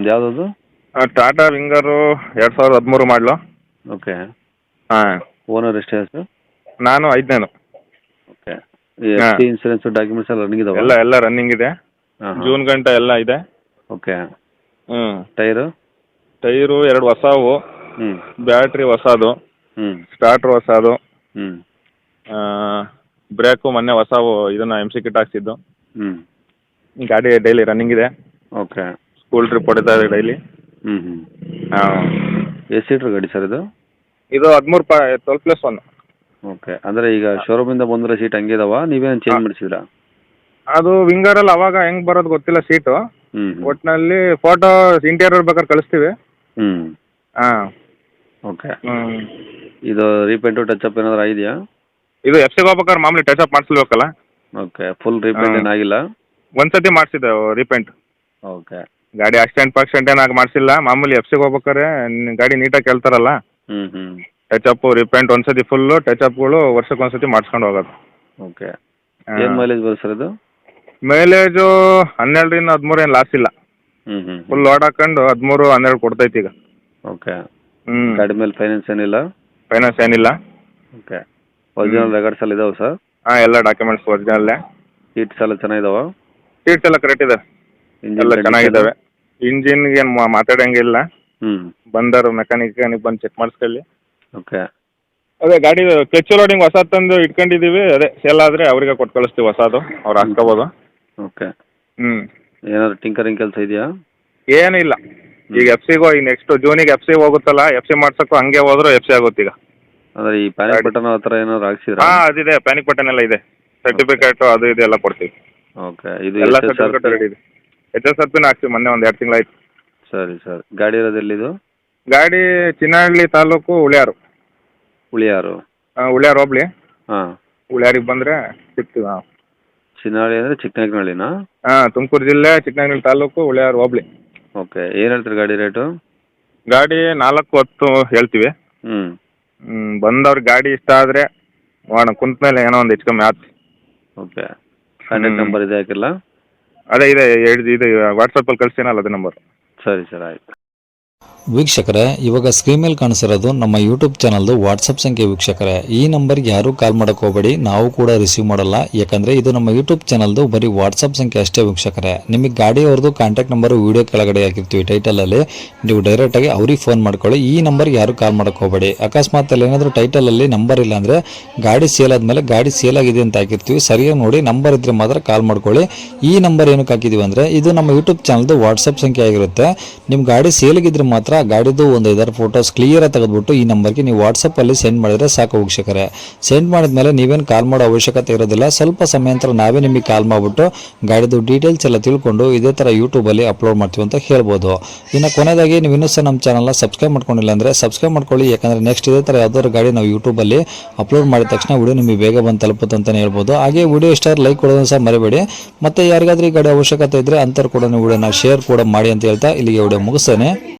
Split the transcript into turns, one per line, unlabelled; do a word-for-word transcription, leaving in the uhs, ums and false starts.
ನಿಮ್ದು ಯಾವುದದು?
ಟಾಟಾ ವಿಂಗರು ಎರಡು ಸಾವಿರದ ಹದಿಮೂರು ಮಾಡಲು.
ಓಕೆ.
ಹಾಂ.
ಓನರ್ ಎಷ್ಟು ಸರ್?
ನಾನು ಐದನೇನು.
Okay. F C insurance documents ಎಲ್ಲ ರನ್ನಿಂಗ್ ಇದಾವೆ?
ಎಲ್ಲ ಎಲ್ಲ ರನ್ನಿಂಗ್ ಇದೆ. ಜೂನ್ ಗಂಟೆ ಎಲ್ಲ ಇದೆ.
ಓಕೆ.
ಹ್ಞೂ.
ಟೈರು?
ಟೈರು ಎರಡು ಹೊಸವು.
ಹ್ಞೂ.
ಬ್ಯಾಟ್ರಿ ಹೊಸದು.
ಹ್ಞೂ.
ಸ್ಟಾರ್ಟ್ರ್ ಹೊಸದು.
ಹ್ಞೂ.
ಬ್ರೇಕು ಮೊನ್ನೆ ಹೊಸವು ಇದನ್ನು ಎಮ್ ಸಿ ಕಿಟ್ ಹಾಕ್ಸಿದ್ದು.
ಹ್ಞೂ.
ಗಾಡಿ ಡೈಲಿ ರನ್ನಿಂಗ್ ಇದೆ.
ಓಕೆ.
ಸ್ಕೂಲ್ ಟ್ರಿಪ್ ಹೊಡಿತಾ ಇದೆ ಡೈಲಿ.
ಹ್ಞೂ ಹ್ಞೂ.
ಹಾಂ.
ಎಷ್ಟು ಸೀಟ್ರ್ ಗಾಡಿ ಸರ್ ಇದು?
ಇದು ಹದಿಮೂರು ಪ ಟ್ವೆಲ್ ಪ್ಲಸ್ ಒನ್.
ಓಕೆ. ಅಂದರೆ ಈಗ ಶೋರೂಮಿಂದ ಬಂದಿರೋ ಸೀಟ್ ಹಂಗೆ ಇದಾವ, ನೀವೇನು ಚೇಂಜ್ ಮಾಡಿಸಿದ್ರಾ?
ಅದು ವಿಂಗರಲ್ಲಿ ಅವಾಗ ಹೆಂಗೆ ಬರೋದು ಗೊತ್ತಿಲ್ಲ ಸೀಟು.
ಹ್ಞೂ.
ಒಟ್ಟಿನಲ್ಲಿ ಫೋಟೋ ಇಂಟೀರಿಯರ್ ಬೇಕಾದ್ರೆ ಕಳಿಸ್ತೀವಿ.
ಹ್ಞೂ.
ಹಾಂ.
ಓಕೆ.
ಹ್ಞೂ.
ಇದು ರೀಪೇಂಟು ಟಚಪ್ ಏನಾದರೂ ಆಗಿದೆಯಾ?
ಇದು ಎಫ್ ಸಿಗೆ ಹೋಗ್ಬೇಕಾದ್ರೆ ಮಾಮೂಲಿ ಟಚಪ್ ಮಾಡಿಸ್ಬೇಕಲ್ಲ.
ಓಕೆ. ಫುಲ್ ರೀಪೇಂಟ್ ಏನಾಗಿಲ್ಲ?
ಒಂದು ಸತಿ ಮಾಡಿಸಿದ್ದೆ ರೀಪೇಂಟ್.
ಓಕೆ.
ಗಾಡಿ ಆಕ್ಸಿಡೆಂಟ್ ಪಾಕ್ಸಿಡೆಂಟ್ ಏನಾಗಿ ಮಾಡಿಸಿಲ್ಲ. ಮಾಮೂಲಿ ಎಫ್ ಸಿಗೆ ಹೋಗ್ಬೇಕಾದ್ರೆ ಗಾಡಿ ನೀಟಾಗಿ ಕೇಳ್ತಾರಲ್ಲ,
ಹ್ಞೂ ಹ್ಞೂ.
ಟಚಪ್ಪು ರೀಪೇಂಟ್ ಒಂದು ಸತಿ ಫುಲ್ಲು, ಟಚಪ್ಗಳು ವರ್ಷಕ್ಕೆ ಒಂದು ಸತಿ ಮಾಡಿಸ್ಕೊಂಡು ಹೋಗೋದು.
ಓಕೆ. ಏನು ಮೈಲೇಜ್ ಬರುತ್ತೆ ಸರ್ ಇದು?
ಮೈಲೇಜು ಹನ್ನೆರಡರಿಂದ ಹದಿಮೂರು ಏನು ಲಾಸ್ ಇಲ್ಲ.
ಹ್ಞೂ ಹ್ಞೂ.
ಫುಲ್ ಲೋಡ್ ಹಾಕೊಂಡು ಹದಿಮೂರು ಹನ್ನೆರಡು ಕೊಡ್ತೈತಿ ಈಗ.
ಓಕೆ.
ಹ್ಞೂ.
ಗಾಡಿ ಮೇಲೆ ಫೈನಾನ್ಸ್ ಏನಿಲ್ಲ?
ಫೈನಾನ್ಸ್ ಏನಿಲ್ಲ.
ಓಕೆ. ಒರಿಜಿನಲ್ ರೆಕಾರ್ಡ್ಸ್ ಎಲ್ಲ ಇದಾವೆ ಸರ್?
ಹಾಂ, ಎಲ್ಲ ಡಾಕ್ಯುಮೆಂಟ್ಸ್ ಒರಿಜಿನಲ್ಲೇ.
ಸೀಟ್ಸ್ ಎಲ್ಲ ಚೆನ್ನಾಗಿದಾವ?
ಸೀಟ್ಸ್ ಎಲ್ಲ ಕರೆಕ್ಟ್ ಇದೆ. ಎಲ್ಲ ಚೆನ್ನಾಗಿದ್ದಾವೆ. ಇಂಜಿನ್ಗೆ ಏನು ಮಾತಾಡೋಂಗಿಲ್ಲ.
ಹ್ಞೂ.
ಬಂದರು ಮೆಕ್ಯಾನಿಕ್ ಬಂದು ಚೆಕ್ ಮಾಡಿಸ್ಕೊಳ್ಳಿ.
ಓಕೆ.
ಅದೇ ಗಾಡಿ ಕ್ಲಚ್ ಲೋಡಿಂಗ್ ಹೊಸ ತಂದು ಇಟ್ಕೊಂಡಿದ್ದೀವಿ. ಅದೇ ಸೇಲ್ ಆದರೆ ಅವರಿಗೆ ಕೊಟ್ಟು ಕಳಿಸ್ತೀವಿ ಹೊಸದು, ಅವ್ರು ಹಾಕ್ಕೋಬೋದು.
ಓಕೆ.
ಹ್ಞೂ.
ಏನಾದ್ರು ಟಿಂಕರಿಂಗ್ ಕೆಲಸ ಇದೆಯಾ?
ಏನೂ ಇಲ್ಲ. ಈಗ ಎಫ್ ಸಿಗೋ ಈಗ ನೆಕ್ಸ್ಟ್ ಜೂನಿಗೆ ಎಫ್ ಸಿ ಹೋಗುತ್ತಲ್ಲ, ಎಫ್ ಸಿ ಮಾಡ್ಸೋಕ್ಕೂ ಹಂಗೆ ಹೋದ್ರು ಎಫ್ ಸಿ ಆಗುತ್ತೆ ಈಗ.
ಅಂದರೆ ಈ ಪ್ಯಾನಿಕ್ ಬಟನ್ ಆ ಥರ ಏನಾದ್ರು ಹಾಕ್ಸಿದ್ರಾ?
ಹಾಂ, ಅದಿದೆ. ಪ್ಯಾನಿಕ್ ಬಟನ್ ಎಲ್ಲ ಇದೆ. ಸರ್ಟಿಫಿಕೇಟು ಅದು ಇದು ಎಲ್ಲ ಕೊಡ್ತೀವಿ.
ಓಕೆ. ಇದು
ಎಲ್ಲ ಸರ್ಟಿಫಿಕೇಟ್ ರೆಡಿ ಇದೆ. ಎಚ್ ಎಸ್ ಆರ್ ಪಿನ ಹಾಕ್ತೀವಿ, ಮೊನ್ನೆ ಒಂದು ಎರಡು ತಿಂಗಳಾಯ್ತು.
ಸರಿ ಸರ್. ಗಾಡಿ ಇರೋದು ಎಲ್ಲಿದು?
ಗಾಡಿ ಚಿನ್ನಹಳ್ಳಿ ತಾಲೂಕು, ಉಳಿಯಾರು.
ಉಳಿಯಾರು?
ಹಾಂ, ಉಳಿಯಾರು ಹೋಬ್ಳಿ.
ಹಾಂ.
ಉಳಿಯಾರಿಗೆ ಬಂದರೆ ಸಿಗ್ತೀವಿ. ಹಾಂ.
ಚಿನ್ನಹಳ್ಳಿ ಅಂದರೆ ಚಿಕ್ಕನಾಯಕನಹಳ್ಳಿನಾ?
ಹಾಂ, ತುಮಕೂರು ಜಿಲ್ಲೆ ಚಿಕ್ಕನಾಯಕನಹಳ್ಳಿ ತಾಲೂಕು, ಉಳಿಯಾರು ಹೋಬ್ಳಿ.
ಓಕೆ. ಏನು ಹೇಳ್ತೀರಿ ಗಾಡಿ ರೇಟು?
ಗಾಡಿ ನಾಲ್ಕು ಹತ್ತು ಹೇಳ್ತೀವಿ.
ಹ್ಞೂ.
ಹ್ಞೂ. ಬಂದವ್ರಿಗೆ ಗಾಡಿ ಇಷ್ಟ ಆದರೆ ನೋಡೋಣ, ಕುಂತ ಮೇಲೆ ಏನೋ ಒಂದು ಹೆಚ್ಚು ಕಮ್ಮಿ ಆಯ್ತು.
ಓಕೆ. ಕಾಂಟ್ಯಾಕ್ಟ್ ನಂಬರ್ ಇದೆ ಹಾಕಿಲ್ಲ?
ಅದೇ ಇದೆ, ಎರಡು ಇದೆ. ವಾಟ್ಸಪ್ಪಲ್ಲಿ ಕಳಿಸ್ತೀನಲ್ಲ ಅದೇ ನಂಬರ್.
ಸರಿ ಸರ್, ಆಯಿತು.
ವೀಕ್ಷಕರೇ, ಇವಾಗ ಸ್ಕ್ರೀನ್ ಮೇಲೆ ಕಾಣಿಸಿರೋದು ನಮ್ಮ ಯೂಟ್ಯೂಬ್ ಚಾನಲ್ದು ವಾಟ್ಸಪ್ ಸಂಖ್ಯೆ. ವೀಕ್ಷಕರೇ, ಈ ನಂಬರ್ಗೆ ಯಾರೂ ಕಾಲ್ ಮಾಡೋಕೆ ಹೋಗಬೇಡಿ, ನಾವು ಕೂಡ ರಿಸೀವ್ ಮಾಡಲ್ಲ. ಯಾಕಂದರೆ ಇದು ನಮ್ಮ ಯೂಟ್ಯೂಬ್ ಚಾನಲ್ದು ಬರೀ ವಾಟ್ಸಪ್ ಸಂಖ್ಯೆ ಅಷ್ಟೇ. ವೀಕ್ಷಕರೇ, ನಿಮಗೆ ಗಾಡಿಯವ್ರದ್ದು ಕಾಂಟ್ಯಾಕ್ಟ್ ನಂಬರು ವೀಡಿಯೋ ಕೆಳಗಡೆ ಹಾಕಿರ್ತೀವಿ ಟೈಟಲಲ್ಲಿ, ನೀವು ಡೈರೆಕ್ಟಾಗಿ ಅವ್ರಿಗೆ ಫೋನ್ ಮಾಡ್ಕೊಳ್ಳಿ. ಈ ನಂಬರ್ಗೆ ಯಾರೂ ಕಾಲ್ ಮಾಡೋಕೆ ಹೋಗಬೇಡಿ. ಅಕಸ್ಮಾತ್ ಅಲ್ಲಿ ಏನಾದರೂ ಟೈಟಲಲ್ಲಿ ನಂಬರ್ ಇಲ್ಲ ಅಂದರೆ ಗಾಡಿ ಸೇಲ್ ಆದಮೇಲೆ ಗಾಡಿ ಸೇಲ್ ಆಗಿದೆ ಅಂತ ಹಾಕಿರ್ತೀವಿ, ಸರಿಯಾಗಿ ನೋಡಿ ನಂಬರ್ ಇದ್ದರೆ ಮಾತ್ರ ಕಾಲ್ ಮಾಡ್ಕೊಳ್ಳಿ. ಈ ನಂಬರ್ ಏನಕ್ಕೆ ಹಾಕಿದ್ದೀವಿ ಅಂದರೆ ಇದು ನಮ್ಮ ಯೂಟ್ಯೂಬ್ ಚಾನಲ್ದು ವಾಟ್ಸಪ್ ಸಂಖ್ಯೆ ಆಗಿರುತ್ತೆ. ನಿಮ್ಮ ಗಾಡಿ ಸೇಲಿಗಿದ್ರೆ ಮಾತ್ರ ಗಾಡಿದು ಒಂದು ಐದಾರು ಫೋಟೋಸ್ ಕ್ಲಿಯರಾಗಿ ತೆಗೆದುಬಿಟ್ಟು ಈ ನಂಬರ್ಗೆ ನೀವು ವಾಟ್ಸಪ್ಪಲ್ಲಿ ಸೆಂಡ್ ಮಾಡಿದರೆ ಸಾಕು. ವೀಕ್ಷಕರೇ, ಸೆಂಡ್ ಮಾಡಿದ್ಮೇಲೆ ನೀವೇನು ಕಾಲ್ ಮಾಡೋ ಅವಶ್ಯಕತೆ ಇರೋದಿಲ್ಲ. ಸ್ವಲ್ಪ ಸಮಯ ನಂತರ ನಾವೇ ನಿಮಗೆ ಕಾಲ್ ಮಾಡಿಬಿಟ್ಟು ಗಾಡಿದು ಡೀಟೇಲ್ಸ್ ಎಲ್ಲ ತಿಳ್ಕೊಂಡು ಇದೇ ಥರ ಯೂಟ್ಯೂಬಲ್ಲಿ ಅಪ್ಲೋಡ್ ಮಾಡ್ತೀವಿ ಅಂತ ಹೇಳ್ಬೋದು. ಇನ್ನು ಕೊನೆಯದಾಗಿ ನೀವು ಇನ್ನೂ ಸಹ ನಮ್ಮ ಚಾನಲ್ನ ಸಬ್ಸ್ಕ್ರೈಬ್ ಮಾಡ್ಕೊಂಡಿಲ್ಲ ಅಂದರೆ ಸಬ್ಸ್ಕ್ರೈಬ್ ಮಾಡ್ಕೊಳ್ಳಿ. ಯಾಕಂದರೆ ನೆಕ್ಸ್ಟ್ ಇದೇ ಥರ ಯಾವ್ದಾದ್ರು ಗಾಡಿ ನಾವು ಯೂಟ್ಯೂಬಲ್ಲಿ ಅಪ್ಲೋಡ್ ಮಾಡಿದ ತಕ್ಷಣ ವಿಡಿಯೋ ನಿಮಗೆ ಬೇಗ ಬಂದು ತಲುಪುತ್ತೆ ಅಂತಲೇ ಹೇಳ್ಬೋದು. ಹಾಗೆ ವಿಡಿಯೋ ಇಷ್ಟ ಲೈಕ್ ಕೊಡೋದನ್ನು ಸಹ ಮರಿಬೇಡಿ. ಮತ್ತು ಯಾರಿಗಾದ್ರೂ ಈ ಗಾಡಿ ಅವಶ್ಯಕತೆ ಇದ್ದರೆ ಅಂಥವ್ರು ಕೂಡ ನೀವು ವಿಡಿಯೋನ ಶೇರ್ ಕೂಡ ಮಾಡಿ ಅಂತ ಹೇಳ್ತಾ ಇಲ್ಲಿಗೆ ವಿಡಿಯೋ ಮುಗಿಸ್ತೇನೆ.